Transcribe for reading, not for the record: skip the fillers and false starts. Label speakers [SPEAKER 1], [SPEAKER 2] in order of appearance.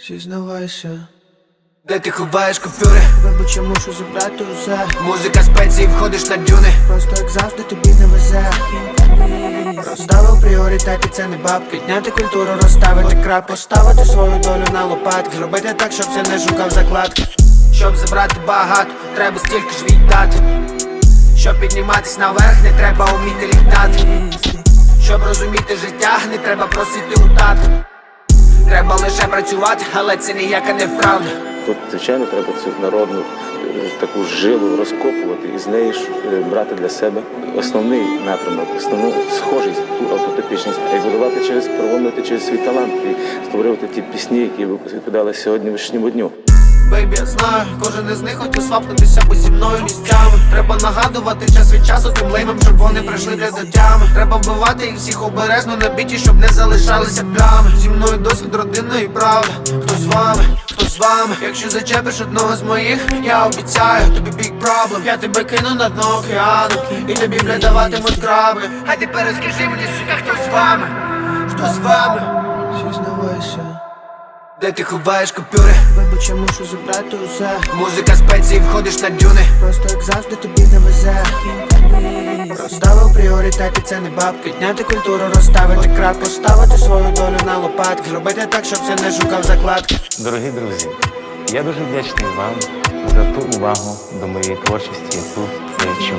[SPEAKER 1] Зізнавайся,
[SPEAKER 2] де ти ховаєш купюри?
[SPEAKER 1] вибач, я мушу забрати усе.
[SPEAKER 2] Музика спеції, входиш на дюни.
[SPEAKER 1] Просто як завжди тобі не везе. Розставив пріоритети, це не бабки. Підняти культуру, розставити крап, поставити свою долю на лопатки. Зробити так, щоб це не шукав закладки.
[SPEAKER 2] Щоб забрати багато, треба стільки ж віддати. Щоб підніматись наверх, не треба вміти літати. Щоб розуміти життя, не треба просити у тата. Треба лише працювати, але це ніяка неправда.
[SPEAKER 3] Тут, звичайно, треба цю народну таку жилу розкопувати і з неї ж брати для себе основний напрямок, основну схожість, ту автотипічність, і будувати через, проводити через свій талант і створювати ті пісні, які відповідали сьогоднішньому дню.
[SPEAKER 2] Бейбі, я знаю, кожен із них хотів свапнутися, бо зі мною місцями. Треба нагадувати час від часу тим леймам, щоб вони прийшли для дитями. Треба вбивати їх всіх обережно на біті, щоб не залишалися плями. Зі мною досвід родини і правда. Хто з вами, хто з вами? Якщо зачепиш одного з моїх, я обіцяю, тобі big problem. Я тебе кину на дно океану, і тобі бля даватимуть краби. А тепер розкажи мені, сука, хто з вами? Хто з вами?
[SPEAKER 1] Зізнавайся,
[SPEAKER 2] де ти ховаєш купюри?
[SPEAKER 1] вибач, я мушу забрати усе.
[SPEAKER 2] Музика спеції, входиш на дюни.
[SPEAKER 1] Просто як завжди тобі не везе. Розставив пріоритети, це не бабки. Підняти культуру, розставити крап, поставити свою долю на лопатки. Зробити так, щоб це не шукав закладки.
[SPEAKER 4] Дорогі друзі, я дуже вдячний вам за ту увагу до моєї творчості, яку я відчуваю.